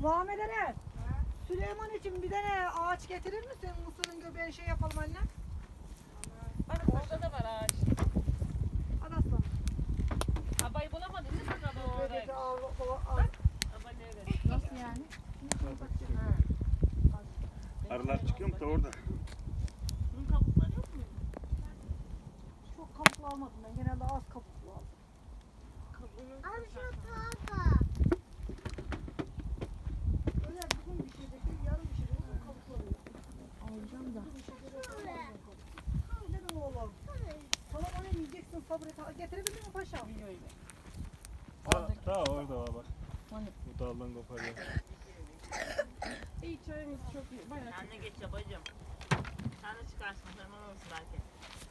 Muhammed'e Süleyman için bir tane ağaç getirir misin? Mısırın göbeği şey yapalım anne. Bak orada da var ağaç. Hadi aslanım. Abayı bulamadın değil mi? Göbeği Aba nerede? nasıl yani? Arılar çıkıyor mu da orada? Bunun kabukları yok mu? Çok kabuklu almadım ben. Genelde az kabuklu aldım. Kabuğunu Abi şu tarafa. Öyle bugün bir şey değil, yarın bir şey değil. Bugün kabuklu oluyor. Alacağım da. Öyle de oğlum. Tamam onu yiyeceksin sabır et. Getirebildin mi paşam? Daha orada var bak. Bu daldan koparıyor. İyi çayımız çok iyi. Bayağı Anne geç babacığım. Sen de çıkarsın. Zaman olsun belki.